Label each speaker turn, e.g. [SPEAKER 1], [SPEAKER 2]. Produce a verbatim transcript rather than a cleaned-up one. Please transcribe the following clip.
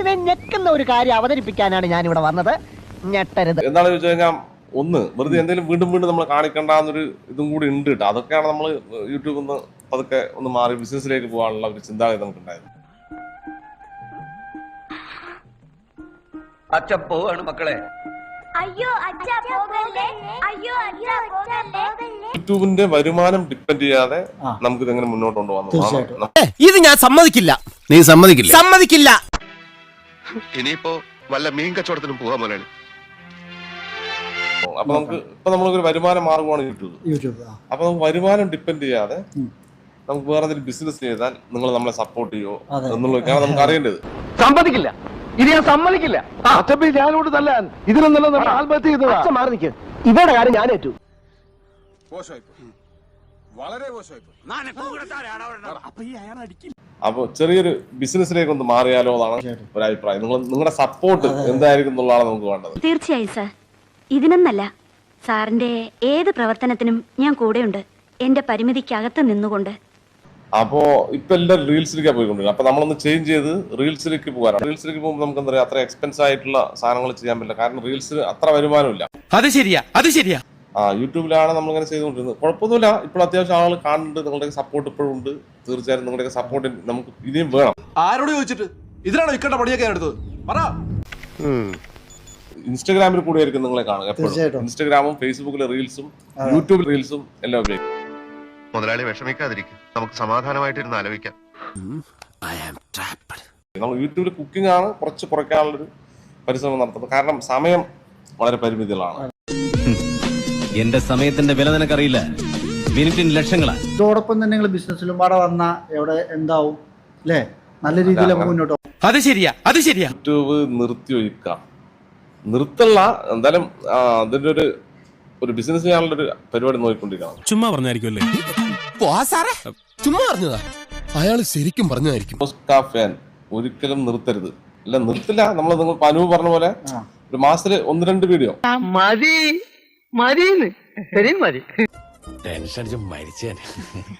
[SPEAKER 1] മനസ്സിനെ ഞെക്കുന്ന ഒരു കാര്യം അവതരിപ്പിക്കാനാണ് ഞാൻ ഇവിടെ വന്നത്. ഞെട്ടരുത്.
[SPEAKER 2] എന്താണെന്ന് വെച്ച് കഴിഞ്ഞാൽ ഒന്ന് വെറുതെ എന്തെങ്കിലും വീണ്ടും വീണ്ടും നമ്മൾ കാണിക്കേണ്ടെന്നൊരു ഇതും കൂടി ഉണ്ട് കേട്ടോ. അതൊക്കെയാണ് നമ്മൾ യൂട്യൂബിൽ നിന്ന് പതുക്കെ ഒന്ന് മാറി ബിസിനസ്സിലേക്ക് പോകാനുള്ള ഒരു ചിന്താഗതി നമുക്കുണ്ടായത്.
[SPEAKER 3] അച്ഛ പോവാണ് മക്കളെ.
[SPEAKER 4] അയ്യോ അച്ഛാ പോകല്ലേ, അയ്യോ അച്ഛാ പോകല്ലേ.
[SPEAKER 2] യൂട്യൂബിന്റെ വരുമാനം ഡിപ്പെൻഡ് ചെയ്യാതെ നമുക്ക് ഇതെങ്ങനെ മുന്നോട്ട് കൊണ്ടുപോകാം.
[SPEAKER 5] ഇത് ഞാൻ സമ്മതിക്കില്ല.
[SPEAKER 6] നീ സമ്മതിക്കില്ല?
[SPEAKER 5] സമ്മതിക്കില്ല.
[SPEAKER 6] ഇനിയിപ്പോ വല്ല മീൻ കച്ചവടത്തിനും പോകാൻ പോലാണ്.
[SPEAKER 2] അപ്പൊ നമുക്ക് ഇപ്പൊ നമ്മളൊരു വരുമാന മാർഗമാണ് യൂട്യൂബ്. യൂട്യൂബ് അപ്പൊ നമുക്ക് വരുമാനം ഡിപ്പെൻഡ് ചെയ്യാതെ നമുക്ക് വേറെ എന്തെങ്കിലും ബിസിനസ് ചെയ്താൽ നിങ്ങൾ നമ്മളെ സപ്പോർട്ട് ചെയ്യോ എന്നുള്ളതൊക്കെയാണ് നമുക്ക് അറിയേണ്ടത്.
[SPEAKER 7] സമ്മതിക്കില്ല, ഇത് ഞാൻ സമ്മതിക്കില്ല. അച്ഛൻ ഞാനോട് തല്ലാൻ ഇതിലൊന്നല്ല ആത്മഹത്യ ചെയ്തത്. അച്ഛൻ മാറി നിൽക്കുക, ഇവരുടെ കാര്യം ഞാൻ ഏറ്റു.
[SPEAKER 2] അപ്പൊ ചെറിയൊരു ബിസിനസ്സിലേക്ക് ഒന്ന് മാറിയാലോ എന്നാണ് ഒരു അഭിപ്രായം. നിങ്ങൾ നിങ്ങളുടെ സപ്പോർട്ട് എന്തായിരിക്കും എന്നുള്ളതാണ് നമുക്ക് വേണ്ടത്.
[SPEAKER 4] തീർച്ചയായും സാർ, ഇതിനൊന്നല്ല, സാറിന്റെ ഏത് പ്രവർത്തനത്തിനും ഞാൻ കൂടെയുണ്ട്, എന്റെ പരിമിതിക്കകത്ത് നിന്നുകൊണ്ട്.
[SPEAKER 2] അപ്പോ ഇപ്പൊ എല്ലാവരും റീൽസിലേക്കാണ് പോയിക്കൊണ്ടിരിക്കുന്നത്. അപ്പൊ നമ്മളൊന്ന് ചേഞ്ച് ചെയ്ത് റീൽസിലേക്ക് പോകാനാണ്. റീൽസിലേക്ക് പോകുമ്പോൾ നമുക്ക് എന്താ പറയാ, അത്ര എക്സ്പെൻസ് ആയിട്ടുള്ള സാധനങ്ങൾ ചെയ്യാൻ പറ്റില്ല. കാരണം റീൽസിൽ അത്ര വരുമാനമില്ല.
[SPEAKER 5] അത് ശരിയാ, അത് ശരിയാ.
[SPEAKER 2] ആ യൂട്യൂബിലാണ് നമ്മളിങ്ങനെ ചെയ്തുകൊണ്ടിരുന്നത്. കുഴപ്പമൊന്നുമില്ല, ഇപ്പോൾ അത്യാവശ്യം ആളുകൾ കാണുന്നുണ്ട്. നിങ്ങളുടെ സപ്പോർട്ട് ഇപ്പോഴും ഉണ്ട്. തീർച്ചയായും നിങ്ങളുടെ സപ്പോർട്ട് നമുക്ക് ഇനിയും വേണം.
[SPEAKER 8] ആരോട് ചോദിച്ചിട്ട് ഇതിനാണോ ഇക്കണ്ട പണിയൊക്കെ എടുത്തത്? പറ.
[SPEAKER 2] ഇൻസ്റ്റാഗ്രാമിൽ കൂടി ആയിരിക്കും നിങ്ങളെ കാണുക എപ്പോഴും. ഇൻസ്റ്റാഗ്രാമും ഫേസ്ബുക്കിലെ റീൽസും യൂട്യൂബിൽ റീൽസും എല്ലാം ഉപയോഗിക്കും.
[SPEAKER 6] മുതലാളി വിഷമിക്കാതിരിക്കും, നമുക്ക് സമാധാനമായിട്ടിരുന്ന് ആലോചിക്കാം.
[SPEAKER 2] നമ്മൾ യൂട്യൂബിൽ കുക്കിംഗ് ആണ് കുറച്ച് കുറയ്ക്കാനുള്ളൊരു പരിശ്രമം നടത്തുന്നത്. കാരണം സമയം വളരെ പരിമിതികളാണ്.
[SPEAKER 9] എന്റെ സമയത്തിന്റെ വില നിനക്കറിയില്ല. മിനിറ്റിന് ലക്ഷങ്ങളാണ്.
[SPEAKER 10] ഇതോടൊപ്പം തന്നെ നിങ്ങൾ ബിസിനസ്സിലും പാടെ വന്ന എവിടെ എന്താവും അല്ലേ, നല്ല രീതിയിൽ മുന്നോട്ട്.
[SPEAKER 5] അത് ശരിയാ, അത് ശരിയാ.
[SPEAKER 2] യൂട്യൂബ് നിർത്തി ഒഴിക്കാം, നിർത്തല്ല, എന്തായാലും അതിന്റെ ഒരു ഒരു ബിസിനസ് ചെയ്യാനുള്ള ഒരു പരിപാടി നോക്കിക്കൊണ്ടിരിക്കണം.
[SPEAKER 5] ചുമ്മാ പറഞ്ഞായിരിക്കുമല്ലേ? ചുമ്മാ പറഞ്ഞതാ.
[SPEAKER 6] അയാൾ ശരിക്കും പറഞ്ഞതായിരിക്കും.
[SPEAKER 2] ഫാൻ ഒരിക്കലും നിർത്തരുത്. ഇല്ല, നിർത്തില്ല. നമ്മൾ നിങ്ങൾ അനുവ് പറഞ്ഞ പോലെ ഒരു മാസത്തില് ഒന്ന് രണ്ട് വീഡിയോ
[SPEAKER 7] മതി മതി മതി.
[SPEAKER 9] ടെൻഷൻ അടിച്ച് മരിച്ചേ.